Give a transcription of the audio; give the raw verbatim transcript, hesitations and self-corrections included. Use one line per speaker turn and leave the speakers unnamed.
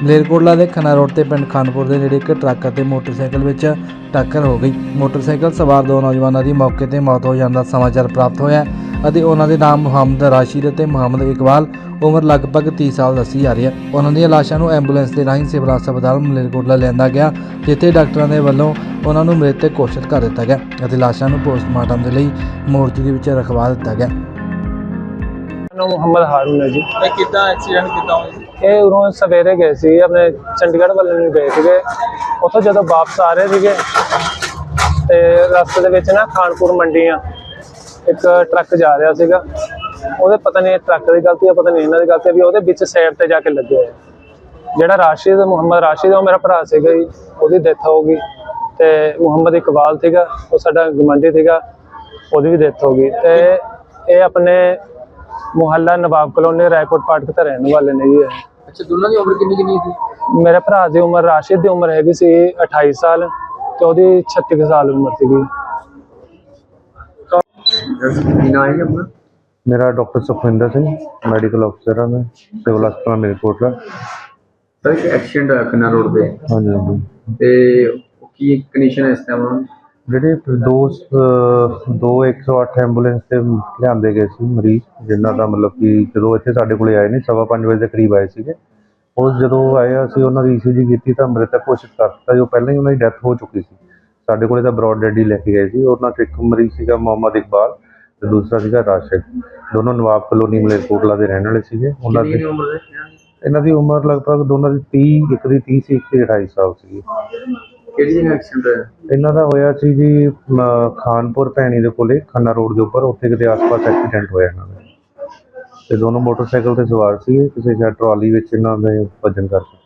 ਮਲੇਰਕੋਟਲਾ ਦੇ ਖੰਨਾ ਰੋਡ ਤੇ ਪਿੰਡ ਖਾਨਪੁਰ ਦੇ ਨੇੜੇ ਇੱਕ ਟਰੱਕ ਅਤੇ ਮੋਟਰਸਾਈਕਲ ਵਿੱਚ ਟੱਕਰ ਹੋ ਗਈ। ਮੋਟਰਸਾਈਕਲ ਸਵਾਰ ਦੋ ਨੌਜਵਾਨਾਂ ਦੀ ਮੌਕੇ ਤੇ ਮੌਤ ਹੋ ਜਾਣ ਦਾ ਸਮਾਚਾਰ ਪ੍ਰਾਪਤ ਹੋਇਆ ਅਤੇ ਉਹਨਾਂ ਦੇ ਨਾਮ ਮੁਹੰਮਦ ਰਾਸ਼ਿਦ ਅਤੇ ਮੁਹੰਮਦ ਇਕਬਾਲ ਉਮਰ ਲਗਭਗ ਤੀਹ ਸਾਲ ਦੱਸੀ ਜਾ ਰਹੀ ਹੈ। ਉਹਨਾਂ ਦੀਆਂ ਲਾਸ਼ਾਂ ਨੂੰ ਐਂਬੂਲੈਂਸ ਦੇ ਰਾਹੀਂ ਸਿਵਲ ਹਸਪਤਾਲ ਮਲੇਰਕੋਟਲਾ ਲਿਆਂਦਾ ਗਿਆ, ਜਿੱਥੇ ਡਾਕਟਰਾਂ ਦੇ ਵੱਲੋਂ ਉਹਨਾਂ ਨੂੰ ਮ੍ਰਿਤਕ ਘੋਸ਼ਿਤ ਕਰ ਦਿੱਤਾ ਗਿਆ ਅਤੇ ਲਾਸ਼ਾਂ ਨੂੰ ਪੋਸਟਮਾਰਟਮ ਦੇ ਲਈ ਮੋਰਚਰੀ ਵਿੱਚ ਰਖਵਾ ਦਿੱਤਾ ਗਿਆ।
ਨਾਮ ਮੁਹੰਮਦ ਹਾरून है जी।
ਕਿੱਦਾਂ ਐਕਸੀਡੈਂਟ ਕਿੱਦਾਂ ਹੋਇਆ?
ਇਹ ਉਰੋਂ ਸਵੇਰੇ ਗਏ ਸੀ ਆਪਣੇ ਚੰਡੀਗੜ੍ਹ ਵੱਲ ਨੂੰ ਗਏ ਸੀਗੇ। ਉੱਥੋਂ ਜਦੋਂ ਵਾਪਸ ਆ ਰਹੇ ਸੀਗੇ ਤੇ ਰਸਤੇ ਦੇ ਵਿੱਚ ਨਾ ਖਾਨਪੁਰ ਮੰਡੀਆਂ ਇੱਕ ਟਰੱਕ ਜਾ ਰਿਹਾ ਸੀਗਾ। ਉਹਦੇ ਪਤਾ ਨਹੀਂ ਟਰੱਕ ਦੀ ਗਲਤੀ ਆ, ਪਤਾ ਨਹੀਂ ਇਹਨਾਂ ਦੀ ਗਲਤੀ ਆ ਵੀ ਉਹਦੇ ਵਿੱਚ ਸਾਈਡ ਤੇ ਜਾ ਕੇ ਲੱਗੇ ਹੋਏ। ਜਿਹੜਾ ਰਾਸ਼ਿਦ ਮੁਹੰਮਦ ਰਾਸ਼ਿਦ ਉਹ ਮੇਰਾ ਭਰਾ ਸੀਗਾ ਜੀ, ਉਹਦੀ ਡੈਥ ਹੋ ਗਈ। ਤੇ ਮੁਹੰਮਦ ਇਕਬਾਲ ਸੀਗਾ, ਉਹ ਸਾਡਾ ਗਵਾਂਢੀ ਸੀਗਾ, ਉਹਦੀ ਵੀ ਡੈਥ ਹੋ ਗਈ। ਤੇ ਇਹ ਆਪਣੇ ਮੁਹੱਲਾ ਨਵਾਬ ਕਲੋਨੀ ਰਾਏਕੋਟ ਫਾਟਕ ਤੇ ਰਹਿਣ ਵਾਲੇ ਨੇ ਜੀ।
ਅੱਛਾ, ਦੋਨਾਂ ਦੀ ਉਮਰ ਕਿੰਨੀ ਕਿੰਨੀ ਸੀ?
ਮੇਰੇ ਭਰਾ ਦੀ ਉਮਰ ਰਾਸ਼ਿਦ ਦੀ ਉਮਰ ਹੈਗੀ ਸੀ ਅਠਾਈ ਸਾਲ ਤੇ ਉਹਦੀ ਛੱਤੀ ਕੁ ਸਾਲ ਉਮਰ ਸੀਗੀ।
ਆਪਣਾ
मेरा doctor Sukhwinder Singh medical officer है, मैं सिविल हस्पताल मलेरकोटला।
सर एक एक्सीडेंट होया खन्ना रोड पे
हाँ जी हाँ जी
ते की कंडीशन है इस टाइम?
ਜਿਹੜੇ ਦੋ ਅਹ ਦੋ ਇੱਕ ਸੌ ਅੱਠ ਐਂਬੂਲੈਂਸ ਤੇ ਲਿਆਂਦੇ ਗਏ ਸੀ ਮਰੀਜ਼, ਜਿਨ੍ਹਾਂ ਦਾ ਮਤਲਬ ਕਿ ਜਦੋਂ ਇੱਥੇ ਸਾਡੇ ਕੋਲੇ ਆਏ ਨੇ ਸਵਾ ਪੰਜ ਵਜੇ ਦੇ ਕਰੀਬ ਆਏ ਸੀਗੇ। ਉਹ ਜਦੋਂ ਆਏ ਅਸੀਂ ਉਹਨਾਂ ਦੀ ਈ ਸੀ ਜੀ ਕੀਤੀ ਤਾਂ ਮ੍ਰਿਤਕ ਘੋਸ਼ਿਤ ਕਰ ਦਿੱਤਾ। ਜੋ ਪਹਿਲਾਂ ਹੀ ਉਹਨਾਂ ਦੀ ਡੈਥ ਹੋ ਚੁੱਕੀ ਸੀ। ਸਾਡੇ ਕੋਲੇ ਤਾਂ ਬਰੋਡ ਡੈਡ ਹੀ ਲੈ ਕੇ ਗਏ ਸੀ। ਉਹਨਾਂ 'ਚ ਇੱਕ ਮਰੀਜ਼ ਸੀਗਾ ਮੁਹੰਮਦ ਇਕਬਾਲ ਤੇ ਦੂਸਰਾ ਸੀਗਾ ਰਾਸ਼ਿਦ। ਦੋਨੋਂ ਨਵਾਬ ਕਲੋਨੀ ਮਲੇਰਕੋਟਲਾ ਦੇ ਰਹਿਣ ਵਾਲੇ ਸੀਗੇ। ਉਹਨਾਂ ਦੀ ਇਹਨਾਂ ਦੀ ਉਮਰ ਲਗਭਗ ਦੋਨਾਂ ਦੀ ਤੀਹ, ਇੱਕ ਦੀ ਤੀਹ ਸੀ, ਇੱਕ ਦੀ ਅਠਾਈ ਸਾਲ ਸੀਗੀ।
ਕਿਹੜੀ ਜਗ੍ਹਾ ਐਕਸੀਡੈਂਟ ਹੋਇਆ?
ਇਹਨਾਂ ਦਾ ਹੋਇਆ ਸੀ ਜੀ ਖਾਨਪੁਰ ਭੈਣੀ ਦੇ ਕੋਲੇ ਖੰਨਾ ਰੋਡ ਦੇ ਉੱਪਰ, ਉੱਥੇ ਕਿਤੇ ਆਸ-ਪਾਸ ਐਕਸੀਡੈਂਟ ਹੋਇਆ ਇਹਨਾਂ ਦਾ। ਤੇ ਦੋਨੋਂ ਮੋਟਰਸਾਈਕਲ ਤੇ ਸਵਾਰ ਸੀ, ਕਿਸੇ ਸ਼ਾਇਦ ਟਰਾਲੀ ਵਿੱਚ ਇਹਨਾਂ ਦੇ ਵੱਜਣ ਕਰਕੇ।